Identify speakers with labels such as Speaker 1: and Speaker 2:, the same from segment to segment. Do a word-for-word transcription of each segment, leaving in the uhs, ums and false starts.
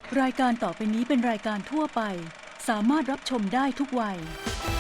Speaker 1: รายการต่อไปนี้เป็นรายการทั่วไปสามารถรับชมได้ทุกวัย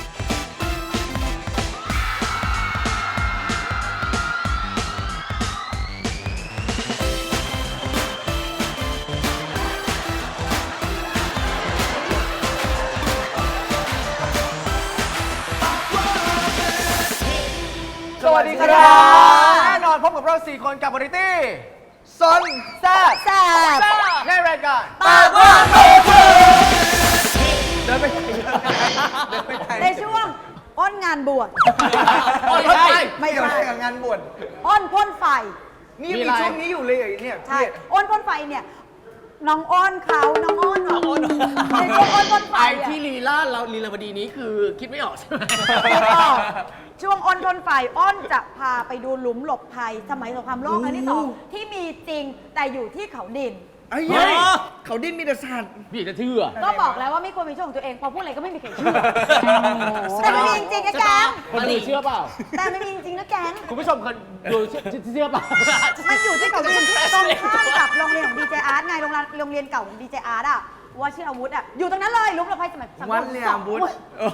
Speaker 2: สวัสดีครับแน่นอนพบกับเราสี่คนกับวาไรตี้ซนแซ่บ
Speaker 3: แซ่บ
Speaker 2: ในรายการ
Speaker 3: ปากว่าโตขึ้น
Speaker 2: เดินไปไหนเดินไปไหน
Speaker 3: ในช่วงอ้อนงานบวช
Speaker 2: ไม่ใช่
Speaker 3: ไม่ใช่
Speaker 2: เกี่ยวอะไรกับงานบวช
Speaker 3: อ้อนพ่นไฟ
Speaker 2: นี่มีช่วงนี้อยู่เลยเหรอเนี่ย
Speaker 3: ใช่อ้อนพ่นไฟเนี่ยน้องอ้อนเขาน้องอ้อนน้องอ้อนในช่วงอ้อนพ่นไฟ
Speaker 4: ไอ้
Speaker 3: อะ
Speaker 4: ที่ลีลาเราลีลาวดีนี้คือคิดไม่ออกใช่ไหม
Speaker 3: คิดออกช่วงอ้อนพ่นไฟอ้อนจะพาไปดูหลุมหลบภัยสมัยสงครามโลกครั้งที่สองที่มีจริงแต่อยู่ที่เขาดิน
Speaker 2: ไอ้ยัยเขาดิ้นมีแต่สัตว์
Speaker 4: พี่จะเชื่อ
Speaker 3: ก็บอกแล้วว่าไม่ควรมีช่วงของตัวเองพอพูดอะไรก็ไม่มีใครเชื่อแต่มันมีจริงๆนะแกง
Speaker 4: คนดูเชื่อเปล่า
Speaker 3: แต่มันมีจริงๆนะแกง
Speaker 4: คุณผู้ชมคนดูเชื่อเชื่อเปล่า
Speaker 3: มันอยู่ที่เขาดินตรงข้ามกับโรงเรียนของดีเจอาร์ตไงโรงเรียนโรงเรียนเก่าของดีเจอาร์ตอะว่าชื่ออาวุธอะอยู่ตรงนั้นเลยหลุมหลบภัยสมัยสังคม
Speaker 2: วันเรียมบุตร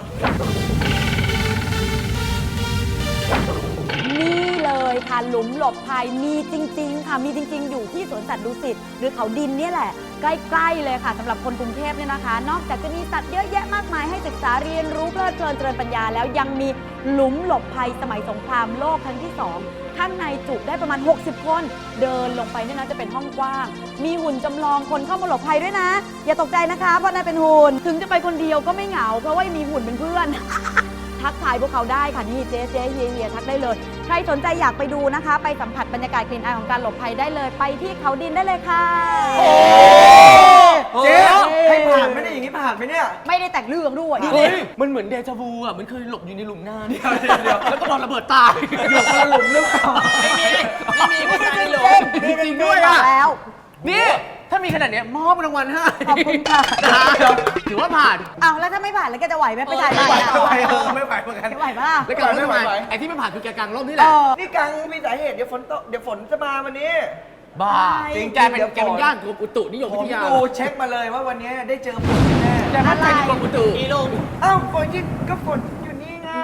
Speaker 3: นี่เลยค่ะหลุมหลบภัยมีจริงๆค่ะมีจริง ๆ อยู่ที่สวนสัตว์ดุสิตหรือเขาดินเนี่ยแหละใกล้ๆเลยค่ะสำหรับคนกรุงเทพเนี่ยนะคะ นอกจากจะมีสัตว์เยอะแยะมากมายให้ศึกษาเรียนรู้เพลิดเพลินเจริญปัญญาแล้วยังมีหลุมหลบภัยสมัยสงครามโลกครั้งที่สองข้างในจุได้ประมาณหกสิบคนเดินลงไปเนี่ยนะจะเป็นห้องกว้างมีหุ่นจำลองคนเข้ามาหลบภัยด้วยนะอย่าตกใจนะคะเพราะนั่นเป็นหุ่นถึงจะไปคนเดียวก็ไม่เหงาเพราะว่ามีหุ่นเป็นเพื่อน ทักทายพวกเขาได้ค่ะนี่เจ๊เจ๊เฮียเฮียทักได้เลยใครสนใจอยากไปดูนะคะ ไปสัมผัสบรรยากาศกลิ่นอายของการหลบภัยได้เลยไปที่เขาดินได้เลยค่ะ
Speaker 2: เจ๊ให้ผ่านไม่ได้อย่างนี้ผ่านไหมเนี่ย
Speaker 3: ไม่ได้แต่งเรื่องด้วย
Speaker 4: เฮ้ยมันเหมือนเดจาวูอ่ะมันเคยหลบอยู่ในหลุมนานแล้วก็โดนระเบิดตาย
Speaker 2: อยู่คนละหลุมหรือเปล่า
Speaker 4: ไม่มีไม่มีผู้ชายในหลุม
Speaker 3: จริงจริงด้วยอ่ะแล้ว
Speaker 4: นี่ถ้ามีขนาดเนี้ยมอบรางวัลให้
Speaker 3: ขอบคุณค่ะ
Speaker 4: ถือว่าผ่าน
Speaker 3: เอาแล้วถ้าไม่ผ่านแล้วแกจะไหวไหมไปถ่าย
Speaker 2: ไม่
Speaker 3: ไม่
Speaker 2: ไหว
Speaker 3: ไหว
Speaker 2: ไม่ไหวเออไม่ไหวเหมือนกัน
Speaker 3: ไหวปะล่ะ
Speaker 4: แล้วกันไม่ไหวไอ้ที่ไม่ผ่านคือแกกลางร่มนี่แหละ
Speaker 2: นี่กังมีสาเหตุเดี๋ยวฝนตกเดี๋ยวฝนจะมาวันนี้
Speaker 4: บ้า
Speaker 2: จริง
Speaker 4: แกเป็นแกเป็นญาติกรมอุตุนิยม
Speaker 2: ผ
Speaker 4: วิ
Speaker 2: ม
Speaker 4: ทยา
Speaker 2: ดูเช็คมาเลยว่าวันนี้ได้เจอฝนแน่
Speaker 4: แกมั่นใจในกรมอุตุกี่ลง
Speaker 2: อ้าวฝนที่ก็ฝนอยู่นี่ไง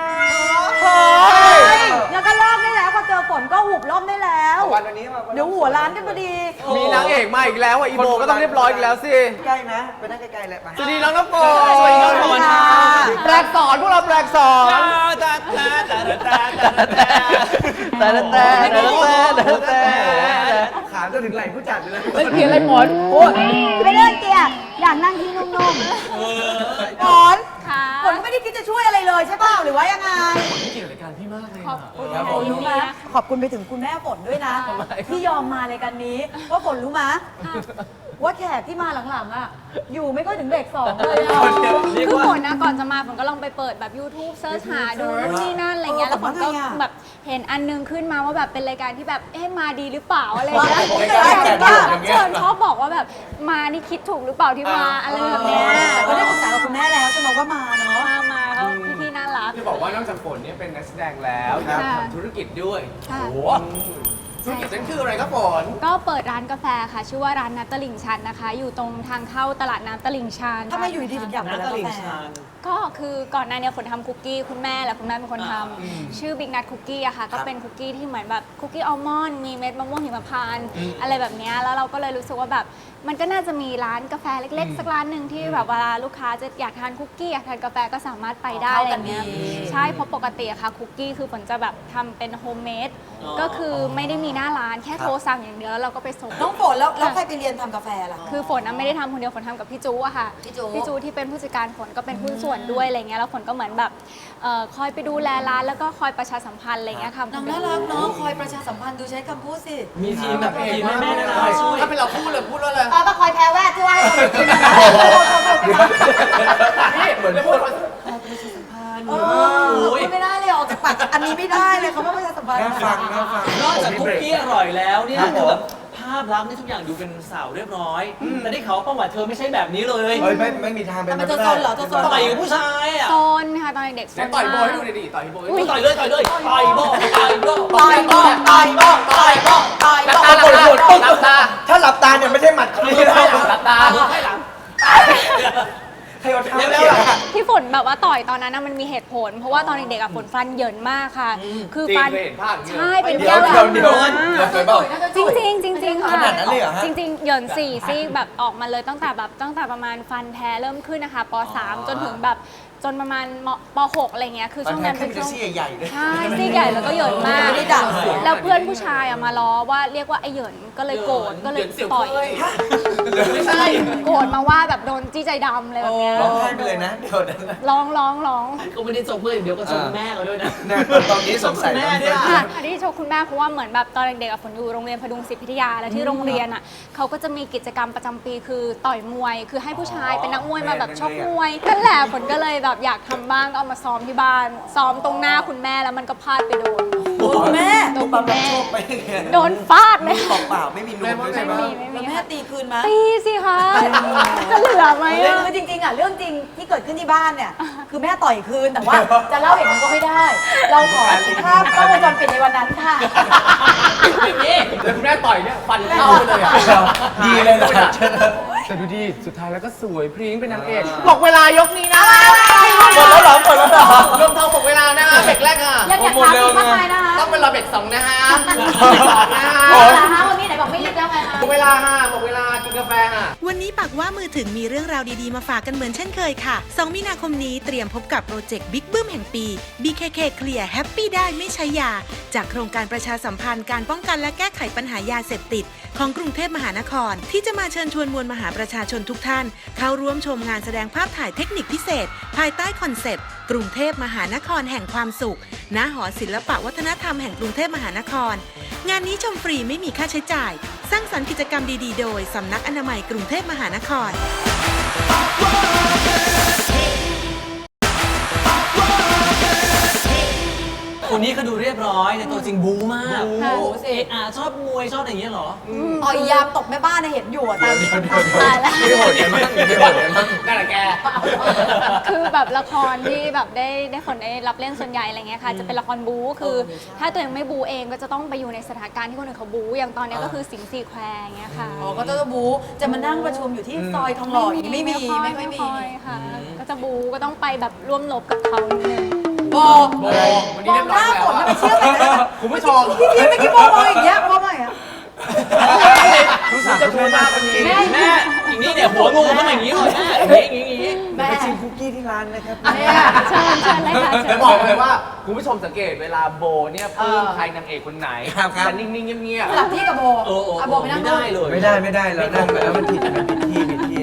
Speaker 3: แล้วก็เลิกได้แล้วพอเจอฝนก็หุบร่มได้แล้ว
Speaker 2: วันวันนี้มา
Speaker 3: เดี๋ยวหัวร้านกันพอดี
Speaker 5: มีนางเอกมาอีกแล้วอ่ะอีโบก็ต้องเรียบร้อยอีกแล้วสิ
Speaker 2: ใกล้นะไปนั่งใกล้ๆเลยไป
Speaker 5: สวัสดีน้องน้ำฝน
Speaker 4: สวัสดีน้องน้ำฝน
Speaker 3: ค่ะ
Speaker 5: แปลกสอนพวกเราแปลกสอน
Speaker 4: แต่แต่แต่แต่แต่
Speaker 5: แต่แต่แต่แต่แต่
Speaker 2: ขาจะถึงไหล่ผู้จัดเลยนะ
Speaker 4: เล่นเกียร์อะไรหมอนโอ้ย
Speaker 3: ไม่เลิกเกียร์อยากนั่งที่นุ่มๆฝนฝนก็ไม่ได้คิดจะช่วยอะไรเลยใช่เปล่าหรือว่ายังไง
Speaker 4: เกี่ยวกับการพี่มากเลย
Speaker 3: ขอบคุณรู้ไหมขอบคุณไปถึงคุณแม่ฝนด้วยนะ ที่ยอมมารายการนี้ว่าฝนรู้ไหมว่าแขกที่มาหลังๆอ่ะอยู่ไม่ก็ถึงเบรกสองเลยอ่ะ
Speaker 6: คือฝนนะก่อนจะมาฝนก็ลองไปเปิดแบบ YouTube เซิร์ชหาดูนู่นนี่นั่นอะไรเงี้ย
Speaker 3: เออ
Speaker 6: แล้วฝนก็
Speaker 3: ว่าไงอะ
Speaker 6: แบบเห็นอันนึงขึ้นมาว่าแบบเป็นรายการที่แบบเอ๊ะมาดีหรือเปล่าอะไรเงี้ย
Speaker 3: รายการแจกจ่าย
Speaker 6: เชิญชอบบอกว่าแบบมานี่คิดถูกหรือเปล่าที่มาอะไรแบบเนี้ย
Speaker 3: ก็ได้ปรึกษากับคุณแม่แล้วจะบอกว่ามาเนาะ
Speaker 6: มามาเขาพี่ๆน่ารัก
Speaker 5: จะบอกว่านอกจากฝนเนี่ยเป็นนักแสดงแล้วยังทำธุรกิจด้วย
Speaker 6: ค่ะ
Speaker 5: โอ้โหธุรกิจนั้นคืออะไรครับฝน
Speaker 6: ก็เปิดร้านกาแฟค่ะ ชื่อว่าร้านนัตตลิ่งชันนะคะ อยู่ตรงทางเข้าตลาดน้ำตลิ่งชัน
Speaker 3: ทำไมอยู่ดีๆถึงอยากเปิดร้านกาแฟ
Speaker 6: ก็คือก่อนหน้านี้ฝนทำคุกกี้คุณแม่และคุณแม่เป็นคนทำชื่อบิ๊กนัทคุกกี้อะค่ะก็เป็นคุกกี้ที่เหมือนแบบคุกกี้อัลมอนด์มีเม็ดมะม่วงหิมพานต์อะไรแบบเนี้ยแล้วเราก็เลยรู้สึกว่าแบบมันก็น่าจะมีร้านกาแฟเล็กๆ สักร้านหนึ่งที่แบบเวลาลูกค้าจะอยากทานคุกกี้อยากทานกาแฟก็สามารถไปได้อะไรเงี้ยใช่เพราะปกติอะค่ะคุกกี้คือฝนจะแบบทำเป็นโฮมเมดก็คือไม่ได้มีหน้าร้านแค่โทรสั่งอย่างเดียวแล้วเราก็ไปส่ง
Speaker 3: น้องฝนแล้วแล้วใครไปเรียนทำกาแฟล่ะ
Speaker 6: คือฝนน่ะไม่ได้ทำคนเดียวฝนทำกับพี่จูอะค่ะ
Speaker 3: พี่จู
Speaker 6: พี่จูที่เป็นผู้จัดการฝนก็เป็นหุ้นส่วนด้วยอะไรเงี้ยแล้วฝนก็เหมือนแบบเอ่อคอยไปดูแลร้านแล้วก็คอยประชาสัมพันธ์อะไรเงี้ยค่ะ
Speaker 3: น้องน่ารักเนาะคอยประชาสัมพันธ์ดูใช้คำพูดสิ
Speaker 4: มีทีมแบบทีมแม่ๆคอยช่วยถ้าเป็นเราพูดเลยพูดว่าอะไร
Speaker 3: เออก็คอยแพ้แวดที่ว่าให้เรากินนะ
Speaker 4: นี่เหมือนพูด
Speaker 3: เออไม่ได้เลยออกจากปากอันนี้ไม่ได้เลยเขาไม่ประชาสัมพันธ์
Speaker 2: น่าฟังน่าฟัง
Speaker 7: นอกจากคุกกี้อร่อยแล้วเนี่ยคือแบบภาพลักษณ์นี่ทุกอย่างดูเป็นสาวเรียบร้อย แต่ได้เขาวประวัติเธอไม่ใช่แบบนี้เลย
Speaker 2: เฮ้ยไม่ไม่มีทางเป็น
Speaker 3: ทำไมเธอโซนเหรอเธอโซน
Speaker 7: ต่อยกับผู้ชายอ่ะ
Speaker 6: โซนค่ะตอนเด็กๆโซ
Speaker 5: เดี๋ย
Speaker 6: น
Speaker 5: วต่อยโบ
Speaker 6: มาก
Speaker 5: ให้ดูดิต่อยโบให้ดู
Speaker 7: ต่อยเลยต่อยเลยต่อยโบต่อยโบ
Speaker 3: ต่อยบ้องต่อยบ้องต่อยบ้องต่อยบ้อง
Speaker 5: หลับตาหลับตาหลับตา
Speaker 2: ถ้าหลับตาเนี่ยไม่ใช่หมัดเขา
Speaker 5: หลับตา
Speaker 4: ให้หลัง
Speaker 2: ใครเอาเท้า
Speaker 7: เร็วๆ
Speaker 2: เขี่ย
Speaker 6: ที่ฝนแบบว่าต่อยตอนนั้นนะมันมีเหตุผล เพราะว่าตอนเด็กๆอะฝนฟันเหยินมากค่ะ คือ
Speaker 5: จริง
Speaker 6: ฟัน
Speaker 5: เคยเห็นภาพอย่างนี้
Speaker 6: ใช่เป็น
Speaker 2: เดี๋ยว
Speaker 6: แก้ว
Speaker 2: เดี๋ยวเดี๋ยว
Speaker 6: หนา
Speaker 2: เดี๋ยวเคยเปล่า
Speaker 6: จริงจริงๆจริงๆค่ะ
Speaker 2: ขนาดนั้นเลยเหรอฮะ
Speaker 6: จริงๆเหยินสี่ซี่แบบออกมาเลยตั้งแต่แบบตั้งแต่ประมาณฟันแท้เริ่มขึ้นนะคะป .สาม จนถึงแบบจนประมาณมป .หก อะไรเงี้ยคือช่วงนั้นเป็นช่วง
Speaker 2: ซี่ใหญ่ๆเลย
Speaker 6: ใช่ซี่ใหญ่แล้วก็เหยินมาก
Speaker 2: ไม่ได้ด่าเสียง
Speaker 6: แล้วเพื่อนผู้ชายอะมาล้อว่าเรียกว่าไอเหยินก็เลยโกรธก็เลยปล่อย
Speaker 7: ไม่ใช่
Speaker 6: โกรธมาว่าแบบโดนจี้ใจดำอะไรแบบเนี้ย
Speaker 2: ร้องไห้ไปเลยนะเดี๋ยวนั้นนะ
Speaker 6: ร้องร้องร้อง
Speaker 7: ก็ไม่ได้ชมเพื่อนอย่างเดียวก็ชมแม่เขาด้วยนะ
Speaker 2: เนี่ยตอนนี้สงสัย
Speaker 7: แม่เนี่ย
Speaker 6: ค่ะอันนี้โชว์คุณแม่เพราะว่าเหมือนแบบตอนเด็กๆอะฝนอยู่โรงเรียนพดุงศิษย์พิทยาแล้วที่โรงเรียนอ่ะเขาก็จะมีกิจกรรมประจำปีคือต่อยมวย คือให้ผู้ชายเป็นนักมวยมาแบบชกมวยนั่นแหละฝนก็เลยแบบอยากทำบ้างก็เอามาซ้อมที่บ้าน ซ้อมตรงหน้าคุณแม่แล้วมันก็พลาดไปโดน
Speaker 2: โอ้แม่
Speaker 6: โดน
Speaker 2: ปั๊
Speaker 6: คุ
Speaker 2: ม
Speaker 6: ณ
Speaker 2: รับ
Speaker 6: แม่
Speaker 2: โชคไปอย่างเงี้ย
Speaker 6: โดนฟาดเลย
Speaker 2: เปล่าเปล่าๆไม่มีนมด้วยใช่ไหม
Speaker 6: ไม่มีไม่มี
Speaker 3: แม่
Speaker 6: ค่ะ
Speaker 3: ตีคืนมา
Speaker 6: ตีสิคะจะเหลือไหม
Speaker 3: เรื่อ
Speaker 6: อะ
Speaker 3: งจริงๆอ่ะเรื่องจริงที่เกิดขึ้นที่บ้านเนี่ยคือแม่ต่อยคืนแต่ว่าจะเล่าอย่างนั้นก็ไม่ได้ เราขอภาพกล้องวงจรปิดในวันนั้นค่ะ
Speaker 7: ไม่มี
Speaker 5: แล้วคุณแม่ต่อยเนี่ยฟันเข้าไปเลยอ่ะ
Speaker 2: ดีเลยนะ
Speaker 5: แต่ดูดิสุดท้ายแล้วก็สวยพริ้งเป็นนางเอกหมดเวลายกนี้นะ
Speaker 2: หมดแล้วเหรอหมดแล้วเหรอ
Speaker 5: รวมทองหมดเวลานะเบรกแรกอ่ะ
Speaker 3: ยังอยากถามอีกมากมายนะคะ
Speaker 5: ต้องเป็นรอเบรกสองนะฮะสองนะฮะ
Speaker 3: เอาละคะวันนี้ไหนบอกไม่รีบแล้วไงคะ
Speaker 5: หมดเวลาฮะหมดเวลากินกาแฟฮะ
Speaker 8: วันนี้ปากว่ามือถึงมีเรื่องราวดีๆมาฝากกันเหมือนเช่นเคยค่ะ สองมีนาคมนี้เตรียมพบกับโปรเจกต์บิ๊กบึ้มแห่งปี บี เค เค เคลียร์แฮปปี้ได้ไม่ใช้ยา จากโครงการประชาสัมพันธ์การป้องกันและแก้ไขปัญหายาเสพติดของกรุงเทพมหานคร ที่จะมาเชิญชวนมวลมหาประชาชนทุกท่าน เข้าร่วมชมงานแสดงภาพถ่ายเทคนิคพิเศษ ภายใต้คอนเซปต์กรุงเทพมหานครแห่งความสุข ณ หอศิลปวัฒนธรรมแห่งกรุงเทพมหานคร งานนี้ชมฟรีไม่มีค่าใช้จ่าย สร้างสรรค์กิจกรรมดีๆ โดยสำนักอนามัยกรุงเทพมหานคร
Speaker 7: คนนี้เขาดูเรียบร้อยในตัวจริงบู๊มาก
Speaker 3: บู๊
Speaker 7: เอะอะชอบมวยชอบอะไรอย่างเงี้ยเหรอ
Speaker 3: ต่อยยามตกแม่บ้านเนี่ยเห็นอยู่อะตาม
Speaker 6: ตายแล้ว
Speaker 2: ไม่โหดกันมั้งไม่โหดกันมั้ง
Speaker 5: นั่นแหละแก
Speaker 6: คือแบบละครที่แบบได้ได้คนได้รับเล่นส่วนใหญ่อะไรเงี้ยค่ะจะเป็นละครบู๊คือ ถ้าตัวเองไม่บู๊เองก็จะต้องไปอยู่ในสถานการณ์ที่คนอื่นเขาบู๊อย่างตอนเนี้ยก็คือสิงห์สี่แควอย่างเงี้ยค่ะ
Speaker 3: อ๋อก็จะบูจะมานั่งประชุมอยู่ที่ซอยทองหล่ออย่างนี้ไม่มีไม่ค่อยมี
Speaker 6: ค่ะ ก็จะบู๊ก็ต้องไปแบบร่วมรบกับเขานิดนึง
Speaker 3: โบ
Speaker 5: โบวัน
Speaker 3: ม
Speaker 5: นี้
Speaker 3: อ
Speaker 5: เรี
Speaker 3: ง
Speaker 5: ยบ
Speaker 3: ห
Speaker 5: ร้อย
Speaker 3: น้า
Speaker 5: แล้ว
Speaker 3: ฝนไม่เชื่อเลยนะ
Speaker 5: คุณผู้ชม
Speaker 3: พี่พีเมื่อกี้โบมองอย่างเงี้ยโบมองอย่างเงี้ย
Speaker 2: รู้สึกจะพูดมากวันนี้
Speaker 3: แม่
Speaker 7: แม่อย่างนี้เนี่ยหัวงูต้องอย่างนี้เลยแม่อย่างนี้อย่างนี้อย่างนี้
Speaker 3: แม่
Speaker 2: ไปชิมคุกกี้ที่ร้านนะครับ
Speaker 3: เนี่ย
Speaker 6: เชิญเชิญเลยค่ะเชิ
Speaker 5: จะ
Speaker 6: ญ
Speaker 5: บอกเลยว่าคุณผู้ชมสังเกตเวลาโบเนี่ยปลื้ม
Speaker 3: เออ
Speaker 5: ใครนางเอกคนไหน
Speaker 2: ครับครับ
Speaker 5: จะนิ่งๆเงียบ
Speaker 3: สลับที่กับโบ
Speaker 7: เออเออ
Speaker 3: อ่ะโบไปนั่ง
Speaker 7: ไม่ได้เลย
Speaker 2: ไม่ได้ไม่ได้เรานั่งไปแล้วมันผิดมันผิดที่ผิดที่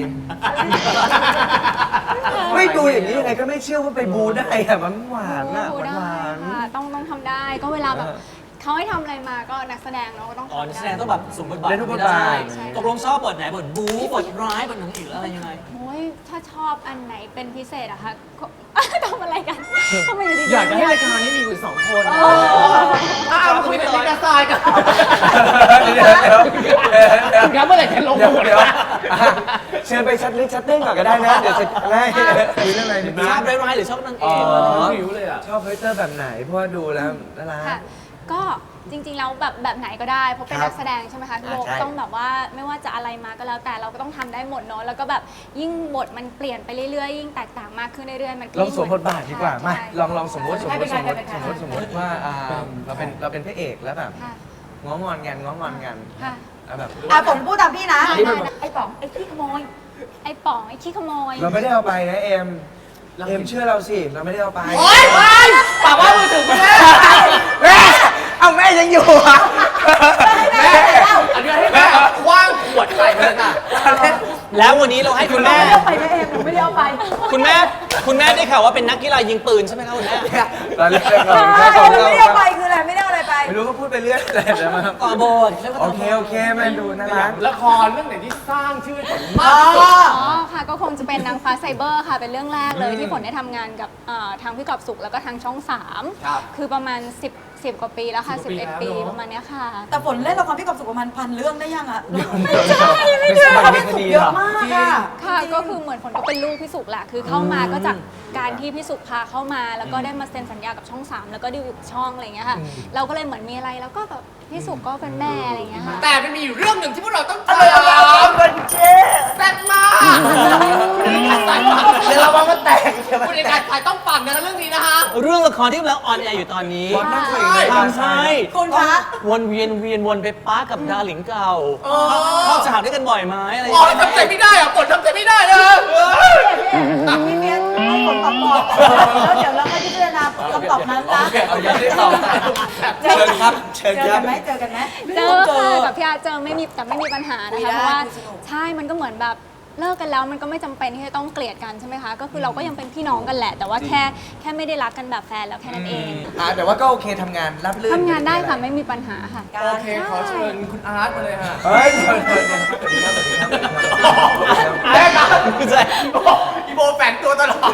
Speaker 2: ไม่ดูอย่างนี้ยังไงก็ไม่เชื่อว่าไปบูได้อะมันหวานอะ
Speaker 6: บู๊
Speaker 2: หวาน
Speaker 6: ได้
Speaker 2: หวาน
Speaker 6: ค่ะต้องต้องทำได้ก็เวลาแบบเขาให้ทำอะไรมาก็นักแสดงเนาะก็ต้อง
Speaker 7: อ๋อ
Speaker 6: ทำ
Speaker 7: แส
Speaker 6: ได้
Speaker 7: ดงต้องแบบสมบทบาท
Speaker 2: เล่นทุกบทบาท
Speaker 7: ไม่ได้ตกลงชอบบทไหนบทบู๊บทร้ายบทหนังอีกอะไรยังไง
Speaker 6: โอ้ยถ้าชอบอันไหนเป็นพิเศษอะคะก็ ทำอะไรกันทำไมอยู่ดี
Speaker 5: ๆ
Speaker 6: ๆ
Speaker 5: อยากจะให้รายการนี้มีอยู่สองคน
Speaker 6: เอ
Speaker 5: อ้าวคุยกันลิกาซายกัน
Speaker 2: เดี๋ยวเดี๋ยว
Speaker 5: คุณครับเมื่อไหร่จะลง
Speaker 2: เดี๋ยว
Speaker 5: หมด
Speaker 2: เดี๋ยว
Speaker 5: วะ
Speaker 2: เชิญไปชัดลึกชัดเต้นก่อนก็ได้นะ เดี๋ยวจะได้คุยเรื่องอะไรดี
Speaker 7: ชอบ
Speaker 2: บ้าง
Speaker 7: ร้ายๆหรือชอบนางเอ
Speaker 2: อ๋อ
Speaker 7: ก
Speaker 5: หิวเลยอ่ะ
Speaker 2: ชอบเฮเตอร์แบบไหนเพราะว่าดูแล้วน่ารัก
Speaker 6: ค่ะ ก็จริงๆแล้วแบบแบบไหนก็ได้เพราะเป็น
Speaker 2: ครับ
Speaker 6: นักแสดงใช่ไหมคะพี่โบ
Speaker 2: อ่าใช่
Speaker 6: ก็ต้องแบบว่าไม่ว่าจะอะไรมาก็แล้วแต่เราก็ต้องทำได้หมดเนาะแล้วก็แบบยิ่งบทมันเปลี่ยนไปเรื่อยๆยิ่งแตกต่างมากขึ้นเรื่อยๆมันก็
Speaker 2: ลอง
Speaker 6: ยิ่
Speaker 2: สวมบทบาทดีกว่า มา
Speaker 6: ใช่
Speaker 2: ลองลองสมมติสมมติสมมติ
Speaker 3: ให้เป็นใคร
Speaker 2: สมมติสมมติว่าอ่าเราเป็นเราเป็นพระเอกแล้วแบบ
Speaker 6: ค่ะ
Speaker 2: ง้องอนกันง้องอนกัน
Speaker 6: ค่ะ
Speaker 2: เอาแบบ
Speaker 3: อ่ะฝนพูดตามพี่นะ
Speaker 6: ได้ได้ได้
Speaker 3: ไอ้ป๋องไอ้ขี้ขโมย
Speaker 6: ไอ้ป๋องไอ้ขี้ขโมย
Speaker 2: เราไม่ได้เอาไปนะเอ็มเอ็มเชื่อเราสิเราไม่ได้เอาไป
Speaker 5: โอ๊ยไปปากว่ามือถือคุณแม่
Speaker 2: แม่เอาแม่ยังอยู่อ่ะ
Speaker 5: แม่อันนี้ให้แม่คว้างขวดใส่เลยค่ะ
Speaker 7: แล้ววันนี้เราให้คุณแม่
Speaker 3: ไม่ได้เอาไปแม่เอ็มหนูไม่ได้เอาไป
Speaker 7: คุณแม่ คุณแม่ได้ข่าวว่าเป็นนักกีฬายิงปืนใช่ไหมครับคุณแม่
Speaker 2: ตอนแรกเรา
Speaker 3: ใช่
Speaker 2: แค่ของ
Speaker 3: เรา
Speaker 2: เรา
Speaker 3: ไม่ได้เอาไปคืออะไรไม่ได้เอาอะไรไป
Speaker 2: ไม่รู้ก็พูดไปเรื่อยอะไรแต่มา
Speaker 7: ต่อบท
Speaker 2: โอเคโอเคแม่ดูน่ารัก
Speaker 5: ละครเรื่องไหนที่สร้างชื่อผม
Speaker 3: อ๋
Speaker 5: มาก
Speaker 3: อ
Speaker 5: ที่สุด
Speaker 6: อ๋อค่ะก็คงจะเป็นนางฟ้าไซเบอร์ค่ะเป็นเรื่องแรกเลยที่ฝนได้ทำงานกับเอ่อทางพี่กอบสุขแล้วก็ทางช่องสาม
Speaker 5: ครับ
Speaker 6: คือประมาณ10 10กว่าปีแล้วค่ะ
Speaker 5: สิบกว่าปี
Speaker 6: สิบเอ็ด
Speaker 5: แล้ว
Speaker 6: ปี
Speaker 5: เนอะ
Speaker 6: ประมาณเนี้ยค่ะ
Speaker 3: แต่ฝนเล่นละครพี่กอบสุขประมาณพันเรื่องได้ยังอ่ะ
Speaker 2: ไม่ใช่ไม่ใช่
Speaker 3: เขา
Speaker 2: ไม่
Speaker 3: ได้
Speaker 2: ค
Speaker 3: สุข
Speaker 2: ดี
Speaker 3: เย
Speaker 2: หร
Speaker 3: อะ
Speaker 2: อ
Speaker 3: มากอ่ะ
Speaker 6: ค่ะก็คือเหมือนฝนก็เป็นลูกพี่สุแหละคือเข้ามาก็จากการที่พี่สุพาเข้ามาแล้วก็ได้มาเซ็นสัญญากับช่องสามแล้วก็ดิวกับช่องอะไรอย่างเงี้ยค่ะเราก็เลยเหมือนมีอะไรแล้วก็แบบพี่สุก็เป็นแม่อะไรอย่างเงี้ยค่ะ
Speaker 5: แต่มันมีอยู่เรื่องหนึ่งที่พวกเราต้อง
Speaker 2: อะไรอะไร
Speaker 5: ทำ
Speaker 2: เป็นเจ๊
Speaker 5: แซ่บมาก
Speaker 2: ว่ามันแตกใช่ไหม
Speaker 4: ผู้จัดการฝ่ายต้องปั่นนะคะเรื่องนี้นะคะ
Speaker 7: เรื่องละครที่กำลังออนแอร์อยู่ตอนนี้
Speaker 2: บอลนั่งคุยกัน
Speaker 7: ทำใช่
Speaker 3: คุณคะ
Speaker 7: วนเวียนเวียนวนไปป้ากับดาหลิงเก่าเข้าฉากด้วยกันบ่อยไหมอะไรอย่าง
Speaker 4: อ๋อ
Speaker 7: เงี้ย
Speaker 4: ทำใจไม่ได้อะกดทำใจไม่ได้เลย
Speaker 3: พี่เมียนให้ผลตอบก่อนแล้วเดี๋ยวเราค่อยพิจารณาคำตอบนั้นนะ
Speaker 2: เอาอย่างที่สองเชิญครับเชิญ
Speaker 3: เจอ
Speaker 2: ครั
Speaker 3: กับ นไหมเจอกันไหม
Speaker 6: เจอค่ะกับพี่อาร์ตเจอไม่มีแต่ไม่มีปัญหา
Speaker 3: คุ
Speaker 6: นะ
Speaker 3: ย
Speaker 6: คะ
Speaker 3: ได้
Speaker 6: เพราะว่า
Speaker 3: คุยสนุก
Speaker 6: ใช่มันก็เหมือนแบบเลิกกันแล้วมันก็ไม่จำเป็นที่จะต้องเกลียดกันใช่ไหมคะก็คือเราก็ยังเป็นพี่น้องกันแหละ แต่ว่าแค่แค่ไม่ได้รักกันแบบแฟนแล้วแค่นั้นเอง
Speaker 2: อ่าแต่ว่าก็โอเคทำงานรับลื่น
Speaker 6: ทำงานได้ค่ะไม่มีปัญหาค่ะ
Speaker 4: โอเค ขอเชิญคุณอาร์ตมาเลยค่ะ
Speaker 2: เฮ้ยเดี๋ยวเดี๋ยวเดี๋ยวสวัสดีครับสวัสดีครับ
Speaker 4: แม่ครับ
Speaker 7: ใช่
Speaker 4: อีโบแฝงตัวตลอด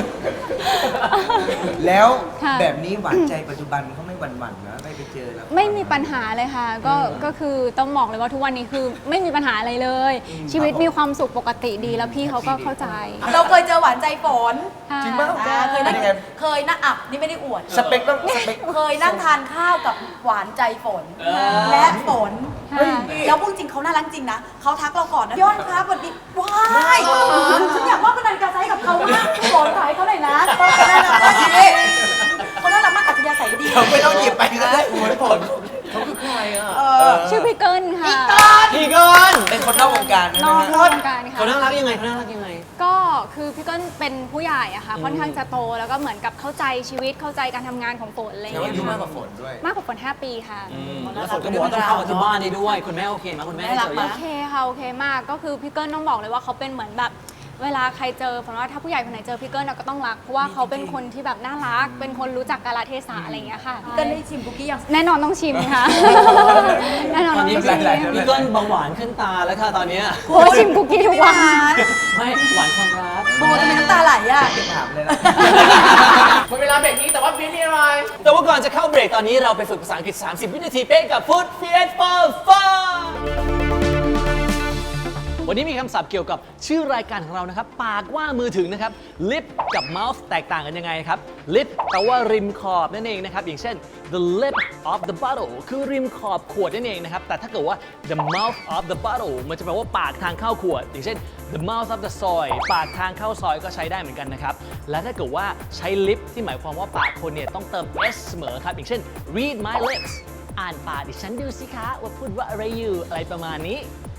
Speaker 2: แล้ว
Speaker 6: ค่ะ
Speaker 2: แบบนี้หวานใจปัจจุบันเขาไม่หวั่นๆนะไม่ไปเจอแล้ว
Speaker 6: ไม่มีปัญหาเลยค่ะ ก็ก็คือต้องบอกเลยว่าทุกวันนี้คือไม่มีปัญหาอะไรเลย ชีวิตมีความสุขปกติดีแล้วพี่เขาก็เข้าใจ
Speaker 3: เราเคยเจอหวานใจฝน
Speaker 6: ค่ะ
Speaker 2: จริงป่ะ
Speaker 3: อ่าเคยนั่ง
Speaker 2: เป็นยังไง
Speaker 3: เคยนั่งอับนี่ไม่ได้อวด
Speaker 2: สเปคต้องสเปค
Speaker 3: เคยนั่งทานข้าวกับหวานใจฝน และฝน
Speaker 6: ค่ะ
Speaker 3: แล้วพูดจริงเขาน่ารักจริงนะเขาทักเราก่อนนะย้อนครับสวัสดีว้ายฉันอยากมอบเป็นนาฬิกาไซส์กับเขามากฝนขายเขาหน่อยนะเขาน่ารักมากจริงเขาน่ารักมากอัธยาศัยดี
Speaker 2: เดี๋ยวไม่ต้องหยิบไปก็ได้โอ้ยผล
Speaker 4: เขาคือใครอ่ะ
Speaker 3: เออ
Speaker 6: ชื่อพี่เกิลค่ะ
Speaker 7: พี่เกิน
Speaker 2: เป็นคนนอกวงการใช่
Speaker 6: น้
Speaker 2: ไห
Speaker 6: อ
Speaker 2: ม
Speaker 6: ง
Speaker 2: ฮะ
Speaker 6: ร่วมกันค่ะ
Speaker 7: เขาน่ารักยังไงเขาน่ารักยังไง
Speaker 6: ก็คือพี่เกิลเป็นผู้ใหญ่อะค่ะค่อนข้างจะโตแล้วก็เหมือนกับเข้าใจชีวิตเข้าใจการทำงานของฝนอะไรอย่าง
Speaker 2: แต่ว่า
Speaker 6: เงี้
Speaker 2: อายุ
Speaker 6: ย
Speaker 2: มากกว่าฝนด้วย
Speaker 6: มากกว่าฝนห้าปีค่ะ
Speaker 7: แล้วฝนก็บอกว่าต้องเข้ามาที่บ้านนี้ด้วยคุณแม่โอเคไหมคุณแม่ได้เจอ
Speaker 6: โอ
Speaker 7: ยัง
Speaker 6: เคค่ะโอเคมากก็คือพี่เกิลต้องบอกเลยว่าเขาเป็นเหมือนแบบเวลาใครเจอผมว่าถ้าผู้ใหญ่คนไหนเจอพี่เกิลเราก็ต้องรักเพราะว่าเขาเป็นคนที่แบบน่ารัก เป็นคนรู้จักกาลเทศะอะไรอย่างเงี้ยค่ะ
Speaker 3: เกินได้ชิมคุกกี้ยัง
Speaker 6: แน่นอนต้องชิมค่ะ แน่นอน
Speaker 7: ตอน
Speaker 6: ต้อง
Speaker 7: นี้
Speaker 6: ชิม
Speaker 7: พี่เกิลเบาหวานขึ้นตาแล้วค่ะตอนเนี้ย
Speaker 6: โอ้ชิมคุกกี้ทุกวัน
Speaker 7: ไม่หวานความรัก
Speaker 3: โบทำไมน้ำตาไหลอ่ะ
Speaker 2: ถามเลยนะ
Speaker 4: หมดเวลาเบรกนี้แต่ว่าพี่มีอะไร
Speaker 7: แต่ว่าก่อนจะเข้าเบรกตอนนี้เราไปฝึกภาษาอังกฤษ สามสิบ วินาทีเป๊ะกับ Food Fiat for Fun วันนี้มีคำศัพท์เกี่ยวกับชื่อรายการของเรานะครับ ปากว่ามือถึงนะครับ lip กับ mouth แตกต่างกันยังไงครับ lip แปลว่าริมขอบนั่นเองนะครับ อย่างเช่น the lip of the bottle คือริมขอบขวดนั่นเองนะครับ แต่ถ้าเกิดว่า the mouth of the bottle มันจะแปลว่าปากทางเข้าขวด อย่างเช่น the mouth of the soy ปากทางเข้าซอยก็ใช้ได้เหมือนกันนะครับ และถ้าเกิดว่าใช้ lip ที่หมายความว่าปากคนเนี่ยต้องเติม s เสมอครับ อย่างเช่น read my lips อ่านปากดิฉันดูสิคะว่าพูดว่าอะไรอยู่อะไรประมาณนี้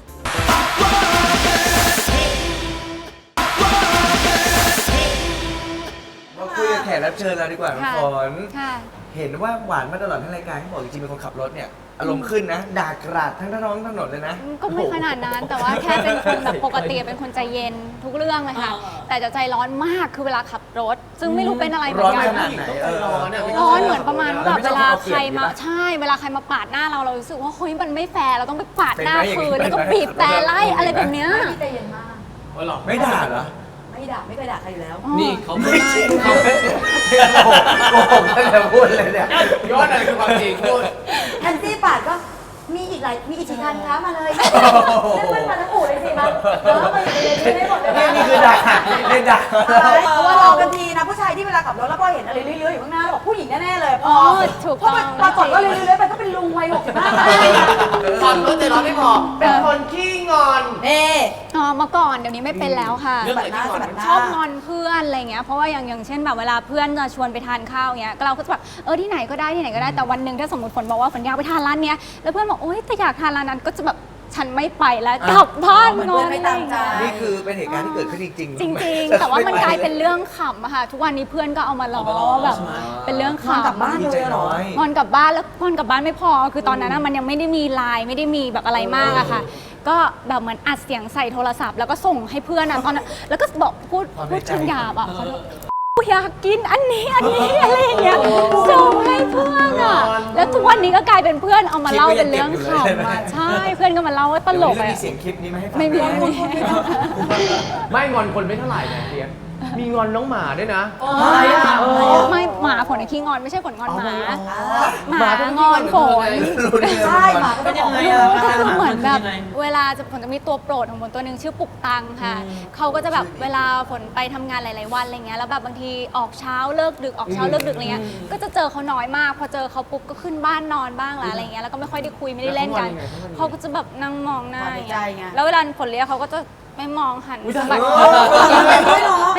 Speaker 2: มาคุยกับแขกรับเชิญเราดีกว่าน้อง
Speaker 6: ค่ะ
Speaker 2: ฝน
Speaker 6: ค่ะ
Speaker 2: เห็นว่าหวานมาตลอดทั้งรายการเขาบอกจริงๆเป็นคนขับรถเนี่ยอารมณ์ขึ้นนะด่ากราดทั้งท้องถนนเลยนะ
Speaker 6: ก็ไม่ขนาดนั้นแต่ว่าแค่เป็นคนแบบปกติเป็นคนใจเย็นทุกเรื่องเลยค่ะ แต่จะใจร้อนมากคือเวลาขับรถ ซึ่งไม่รู้เป็นอะไรเหมื
Speaker 2: ร้
Speaker 6: อ
Speaker 2: อน
Speaker 6: น
Speaker 2: ข
Speaker 6: กัน
Speaker 2: นาดไหนเออ
Speaker 4: ร้อนอะ
Speaker 6: ร้อนเหมือนประมาณว่าแบบ
Speaker 2: เรา
Speaker 6: เว
Speaker 2: ไม่ชอบ
Speaker 6: ลา
Speaker 2: เอาเปรี
Speaker 6: ใคร
Speaker 2: ยบ
Speaker 6: มา
Speaker 2: ใช่ปะ
Speaker 6: ใช่เวลาใครมาปาดหน้าเราเรารู้สึกว่าเฮ้ยมันไม่แฟร์เราต้องไปปาดหน้า
Speaker 2: เป็นไหม
Speaker 6: คืน
Speaker 2: อย่างนี้
Speaker 6: แล้วก็
Speaker 2: เป็นไหม
Speaker 6: บีบแต่ไล่อะไรแบบเนี้ย
Speaker 3: พี่ใจเย็นมาก
Speaker 2: ไม่ด่าเหรอ
Speaker 3: ไม่ด่าไม่เคยด่าใครอยู่แล้ว
Speaker 7: นี่เขา
Speaker 2: ไม่จริงเขาโกหกตั้งแต่พูดเลยเนี่ย
Speaker 4: ย้อนอะไรคือความจริงพูด
Speaker 3: แอนซี่ปาดก็มีอีกหลายมีอีกกี่คันคะมาเลยเล่นมันมาทั้งอู่เลยสิมาเออมาอยู่ในเรื่องนี้ได้หมดเลย
Speaker 2: นี่นี่คือด่านี่ด่า
Speaker 3: เพราะว่าเรากันทีนะผู้ชายที่เวลาขับรถแล้วพอเห็นอะไรเลื้อยๆอยู่ข้างหน้าบอกผู้หญิงแน่ๆเลยพอ
Speaker 6: อ๋อถูก
Speaker 3: เพราะ
Speaker 6: ต้
Speaker 3: มั
Speaker 6: อน ง
Speaker 3: ปรากฏว่าเลื้อยๆไปก็เป็นลุงวัยหกสิบห้า
Speaker 4: ขับรถใจร้อนไม่พอ เป็นคนขี้งอน
Speaker 3: เน่
Speaker 6: อ๋อเมื่อก่อนเดี๋ยวนี้ไม่เป็นแล้วค่ะ
Speaker 4: เรื่องอะไรที่งอน
Speaker 3: สะบัดหน้า
Speaker 6: ชอบงอนเพื่อนอะไรเงี้ยเพราะว่าอย่างอย่างเช่นแบบเวลาเพื่อนจะชวนไปทานข้าวเงี้ยเราก็จะแบบเออที่ไหนก็ได้ที่ไหนก็ได้แต่วันหนึ่งถ้าสมมติฝนบอกว่าฝนอยากไปทานร้านเนี้ยแล้วเพื่อนบอกโอ๊ยแต่อยากทานร้านนั้นก็จะแบบฉันไม่ไปแล้วกลับบ้าน
Speaker 3: เหมือน
Speaker 6: งอ
Speaker 3: เพื่อน นไม่ตามใจ
Speaker 2: นี่คือเป็นเหตุการณ์ที่เกิดขึ้นจริงๆ
Speaker 6: จริง ๆ แต่ว่ามันกลายเป็นเรื่องขำอะค่ะทุกวันนี้เพื่อนก็เอามาล้อแบบเป็นเรื่อง
Speaker 3: นอน
Speaker 6: ขำ
Speaker 3: กลับบ้าน
Speaker 2: ดี
Speaker 3: เล
Speaker 2: ใจ
Speaker 3: ยเหรอ
Speaker 2: น้อย
Speaker 6: งอนกลับบ้านแล้วงอนกลับบ้านไม่พอ คือตอนนั้นนะมันยังไม่ได้มีไลน์ไม่ได้มีแบบอะไรมากอะค่ะ ก็แบบเหมือนอัดเสียงใส่โทรศัพท์แล้วก็ส่งให้เพื่อนอะตอนนั้นแล้วก็บอกพูดพูดเชิงหยาบอะเขากูอยากกินอันนี้อันนี้อะไรอย่างเงี้ยส่งให้เพื่อนอะแล้วทุกวันนี้ก็กลายเป็นเพื่อนเอามาเล่าเป็นเรื่องขำมาใช่เพื่อนก็มาเล่าว่าตลก
Speaker 2: เดี๋ยว
Speaker 6: อะ
Speaker 2: นี้มีเสียงคลิปนี้มาให้ฟัง
Speaker 6: ไม่มี
Speaker 2: ห
Speaker 6: ไม่มี
Speaker 4: ไม่งอนคนไม่เท่าไหร่นะเพียนมีงอนน้องหมาด้วยนะ
Speaker 3: อะไรอะ
Speaker 6: ไม่หมาฝนขี้งอนไม่ใช่ฝนงอนหมาห
Speaker 4: หมา
Speaker 6: มา
Speaker 4: ต้อง
Speaker 6: งอนฝน
Speaker 2: รู้เรื่อง
Speaker 3: ใช่หมาก็
Speaker 7: เป็
Speaker 3: เป็น น
Speaker 7: ยั
Speaker 3: ของ ง
Speaker 7: ไง
Speaker 3: ไม่
Speaker 7: อะ
Speaker 3: รู้
Speaker 6: ก็คือเหมือนแบบ
Speaker 7: ยังไง
Speaker 6: เวลาจะฝนจะมีตัวโปรดของฝนตัวหนึ่งชื่อปุกตังค่ะเขาก็จะแบบเวลาฝนไปทำงานหลาย ๆ วันอะไรเงี้ยแล้วแบบบางทีออกเช้าเลิกดึกออกเช้าเลิกดึกอะไรเงี้ยก็จะเจอเขาน้อยมาก พอเจอเขาปุ๊บก็ขึ้นบ้านนอนบ้างละอะไรเงี้ยแล้วก็ไม่ค่อยได้คุยไม่ได้เล่นกันเขาก็จะแบบนั่งมองหน้าอย่างเงี้ยแล้วเวลาฝนเรียกเขาก็จะไม่มองหันสะบัด
Speaker 3: เป็นด้วยเหรอ
Speaker 6: เป็น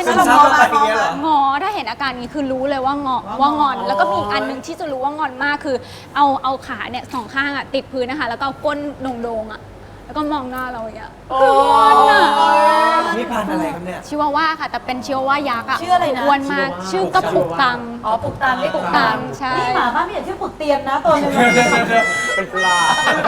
Speaker 3: ก็ลองงอมา
Speaker 6: งอถ้าเห็นอาการนี้คือรู้เลยว่างอว่างอน แล้วก็มีอีกอันหนึ่งที่จะรู้ว่างอนมากคือเอาเอาขาเนี่ยสองข้างอ่ะติดพื้นนะคะแล้วก็เอาก้นโด่งๆอ่ะแล้วก็มองหน้าเราอย่างเงี้ยคืองอนอ่ะ
Speaker 2: นี่พันอะไรครับเนี่ย
Speaker 6: ชิวาว่าค่ะแต่เป็นชิวาว่ายักษ์อ่ะ
Speaker 3: ชื่ออะไรนะ
Speaker 6: อ้วนมากชื่อกระปุกตัง
Speaker 3: อ๋อปุกตังนี่ปุกตัง
Speaker 6: ใช่
Speaker 3: นี่หมาบ้านพี่อย่าชื่อปุกเตียนนะตัวนึง
Speaker 2: เป็นปลา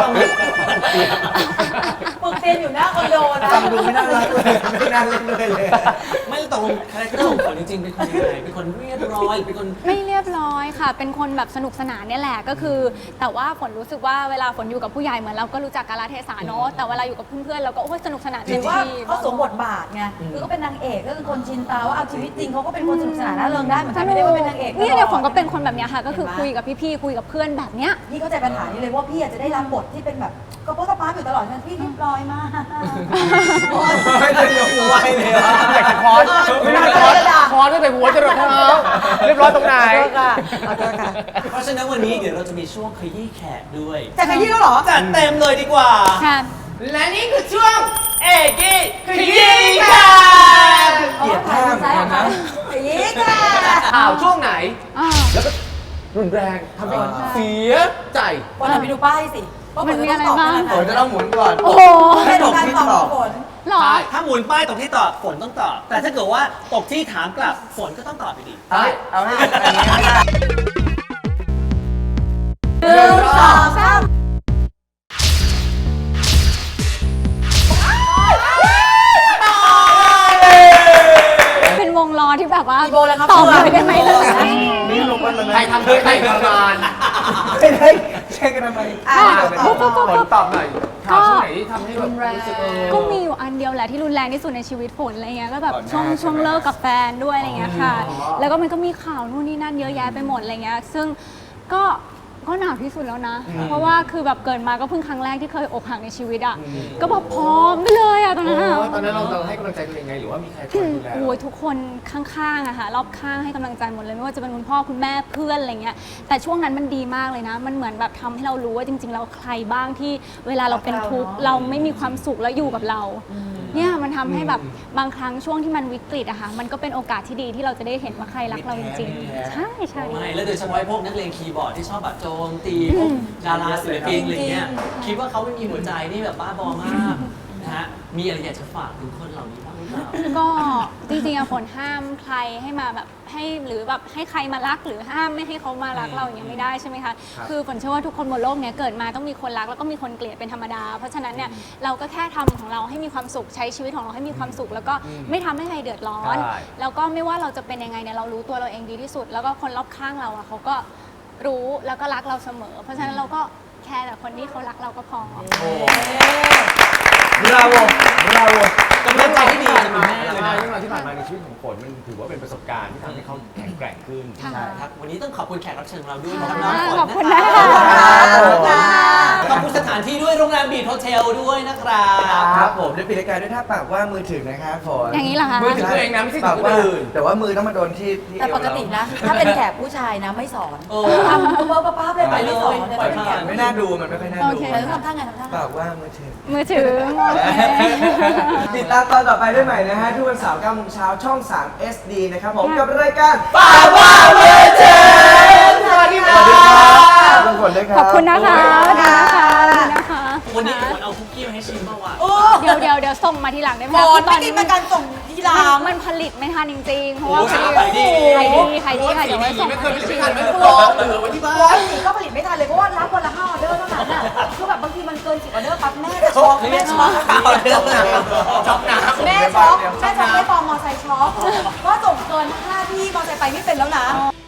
Speaker 3: ปุกเตียนอยู่หน้าคอนโดนะ
Speaker 2: ฟังดูไม่น่ารักเลยไม่น่าเล่นด้วยเลย
Speaker 4: ไม่ตกลงคาแรคเตอร์ของฝนจริงๆเป็นคนยังไงเป็นคนเรียบร้อยเป็นคน
Speaker 6: ไม่เรียบร้อยค่ะ เป็นคนแบบสนุกสนานเนี่ยแหละก็คือ แต่ว่าฝนรู้สึกว่าเวลาฝนอยู่กับผู้ใหญ่เหมือนเราก็รู้จักกาลเทศะเนาะแต่เวลาอยู่กับเพื่อนๆเราก็โอ้ยสนุกสนาน
Speaker 3: ห
Speaker 6: เต็
Speaker 3: รือ
Speaker 6: ม
Speaker 3: ว่า
Speaker 6: ที่
Speaker 3: เขาสวมบทบาทไงคือเขาเป็นนางเอกก็คือคนชินตาว่าเอาชีวิตจริงเขาก็เป็นคนสนุกสนานร่าเริงได้เหมือนกันไม่ได้ว่าเป็นนางเอก
Speaker 6: เนี่ยเนี่ยฝนก็เป็นคนแบบเนี้ยค่ะ ก็คือคุยกับพี่ๆคุยกับเพื่อนแบบเนี้ย
Speaker 3: พี่เข้าใจปัญหานี้เลยว่าพี่อาจจะได้รับบทที่เป็นแบบก็เพราะกระป้าอยู่ตลอดฉันพี่เรียบร้อยมาก
Speaker 2: ไม่ได้ยกมือไหวเลยอะ
Speaker 5: อยากจะคอร์สไม่น่าคอร์สคอร์สตั้งแต่หัวจรดเท้าเรียบร้อยตรงไหน
Speaker 4: เพราะฉะนั้นวันนี้เดี๋ยวเราจะมีช่วงขยี้แขกด้วย
Speaker 3: จะขยี้แล้วเหรอ
Speaker 4: จัดเต็มเลยดีกว่า
Speaker 6: ค่ะ
Speaker 4: และนี่คือช่วงเอกี้ขยี้แขก
Speaker 3: เกียรติแทนซ้ายออกมาขยี้ค่ะ
Speaker 5: ข่าวช่วงไหน
Speaker 6: อ่า
Speaker 5: แล้วก็รุนแรงทำให้เสียใจ
Speaker 3: วันไหนไปดูป้ายสิว่าผลจะต้องตอบขนาดไหน
Speaker 2: ฝนจะต้องหมุนก่อน
Speaker 6: โอ้โห
Speaker 3: ให้ดูการตอบของผล
Speaker 6: หรอ
Speaker 4: ถ้าหมุนป้ายตกที่ตอบฝนต้องตอบ แต่ถ้าเกิดว่าตกที่ถามกลับฝนก็ต้องตอบไปดี
Speaker 2: เอาเอาให้อันนี้ให้ได้
Speaker 3: หนึ่งสองสาม
Speaker 6: เป็นวงล้อที่แบบว่า
Speaker 3: มีโบแล้วครับ
Speaker 6: ตอบเลยได้ไหมเลย
Speaker 2: นี่ลงมาเลย
Speaker 5: ใครทำเพื่อใครทำงาน
Speaker 2: ไม่ได้ใช่กันทำไม
Speaker 3: อ่ะ
Speaker 5: ฝนตอบหน่อยข่าวช่วงไหนที่ทำให้แบบรู้สึกเออ
Speaker 6: ก็มีอยู่อันเดียวแหละที่รุนแรงที่สุดในชีวิตฝนอะไรเงี้ยก็แบบช่วงช่วงเลิกกับแฟนด้วยอะไรเงี้ยค่ะ แล้วก็มันก็มีข่าวนู่นนี่นั่นเยอะแยะไปหมดอะไรเงี้ยซึ่งก็ก็หนาวที่สุดแล้วนะ เพราะว่าคือแบบเกิดมาก็เพิ่งครั้งแรกที่เคยอกหักในชีวิตอ่ะก็แบบพร้อมไปเลยอ่ะตอนนั้นอะ
Speaker 5: ตอนนั้นเราเราให้กำลังใจตัวเองไงหรือว่ามีใครคอยดูแล
Speaker 6: โอ้ยทุกคนข้างๆอะค่ะรอบข้างให้กำลังใจหมดเลยไม่ว่าจะเป็นคุณพ่อคุณแม่เพื่อนอะไรเงี้ยแต่ช่วงนั้นมันดีมากเลยนะ มันเหมือนแบบทำให้เรารู้ว่าจริงๆเราใครบ้างที่เวลาเราเป็นทุกข์เราไม่มีความสุขแล้วอยู่กับเราเนี่ยมันทำให้แบบบางครั้งช่วงที่มันวิกฤตอะค่ะมันก็เป็นโอกาสที่ดีที่เราจะได้เห็นว่าใครรักเราจริงๆใช่ใช่
Speaker 4: ไม่แล้วโดยเฉพาะพวกนักเลงคีย์บอร์ดที่ชอบแบบโจมตีพวกดาราศิลปินอะไรเงี้ยคิดว่าเขาไม่มีหัวใจนี่แบบบ้าบอมากนะฮะมีอะไรอยากจะฝากถึงคนเหล่านี้บ้างหรือเปล่า
Speaker 6: ก็จริงๆอะฝนห้ามใครให้มาแบบให้หรือแบบให้ใครมารักหรือห้ามไม่ให้เขามารักเราอย่างเงี้ยไม่ได้ใช่ไหมคะคือฝนเชื่อว่าทุกคนบนโลกเนี้ยเกิดมาต้องมีคนรักแล้วก็มีคนเกลียดเป็นธรรมดา เพราะฉะนั้นเนี่ยเราก็แค่ทำของเราให้มีความสุขใช้ชีวิตของเราให้มีความสุข แล้วก็ไม่ทำให้ใครเดือดร้อน แล้วก็ไม่ว่าเราจะเป็นยังไงเนี่ยเรารู้ตัวเราเองดีที่สุด แล้วก็คนรอบข้างเราอะเขาก็รู้แล้วก็รักเราเสมอ เพราะฉะนั้นเราก็แค่แต่คนที่เขารักเราก็พอ
Speaker 2: บราโวบราโว
Speaker 4: กำลังใจที่ดีจากคุณแม่เลยนะ
Speaker 5: เรื่องราวที่ผ่านมาในชีวิตของฝนมันถือว่าเป็นประสบการณ์ที่ทำให้เขาแข็งแกร่งขึ้น
Speaker 6: ค่ะ
Speaker 4: ใช่ครับวันนี้ต้องขอบคุณแขกรับเชิญของเราด้วย
Speaker 6: ค่ะ
Speaker 4: น้องฝน
Speaker 6: ขอบคุณ
Speaker 4: นะ
Speaker 6: นะคะ
Speaker 4: ขอบคุณสถานที่ด้วยโรงแรมบีทโฮเทลด้วยนะครับ
Speaker 2: ครับผมได้ปิดรายการด้วยท่าปากว่ามือถึงนะครับฝน
Speaker 6: อย่างนี้เหรอคะ
Speaker 5: มือถึงตัวเองนะไม่ใช่ถึ
Speaker 2: ปาก
Speaker 5: งคน
Speaker 2: ว่า
Speaker 5: อื่น
Speaker 2: แต่ว่ามือต้องมาโดนที่ที่
Speaker 3: แต่ปกตินะ ถ้าเป็นแขกผู้ชายนะไม่สอน
Speaker 4: โอ้
Speaker 3: ทำเวิร์กป้าเลยไปไม่สอนแต่ถ้าเป็นแขก
Speaker 2: ไม่น่าดูมันไม่ค่อยน่า
Speaker 6: โอ
Speaker 2: ดู
Speaker 6: เค
Speaker 3: แต่ต้องทำท่าไงทำท่าไง
Speaker 2: ปากว่ามือถึง
Speaker 6: มือถือโอเค
Speaker 2: ติดตามตอนต่อไปได้ใหม่นะฮะทุกวันเสาร์เก้าโมงเช้าช่องสาม เอส ดี นะครับผมกับรายการปากว่ามือถึงสวัสดีครับขอบคุณด้วยครับ
Speaker 6: ขอบคุณนะคะขอบคุณนะคะขอบคุณนะคะ
Speaker 4: วันนี้ฝนเอาคุกกี้มาให้ชิมเปล่าวะ
Speaker 3: โอ้
Speaker 6: เดี๋ยวเดี๋ยวเดี๋ยวส่งมาทีหลังได้ไหม
Speaker 3: ฝ
Speaker 6: คะ
Speaker 3: นไม่กินประกันส่งทีหลัง
Speaker 6: มันผลิตไม่ทันจริงๆ เพราะ
Speaker 4: โอ้
Speaker 6: ว่า
Speaker 4: ขายดี
Speaker 6: ขายดีขายดีค่ะเดี๋ยวไว้ส่ง
Speaker 5: ไม่เคย
Speaker 6: ให้
Speaker 5: ไม่
Speaker 6: ชิม
Speaker 5: ทันไม่รอเหลือไว้ที่บ้า
Speaker 3: ปก
Speaker 5: น
Speaker 3: ติก็ผลิตไม่ทันเลยเพราะว่ารับวันละห้าออเดอร์เท่านั้นอ่ะคือแบบบางทีมันเกินสิบออเดอร์ปั๊บแม่จะช็อกแม่ช็อก
Speaker 2: ช็อกหนักช็อกหนัก
Speaker 3: แม่ช็อกแม่ช็อกไม่ฟอร์มมอไซค์ช็อกว่าส่งเกินห้าที่มอไซค์ไปไม่เป็นแล้วนะ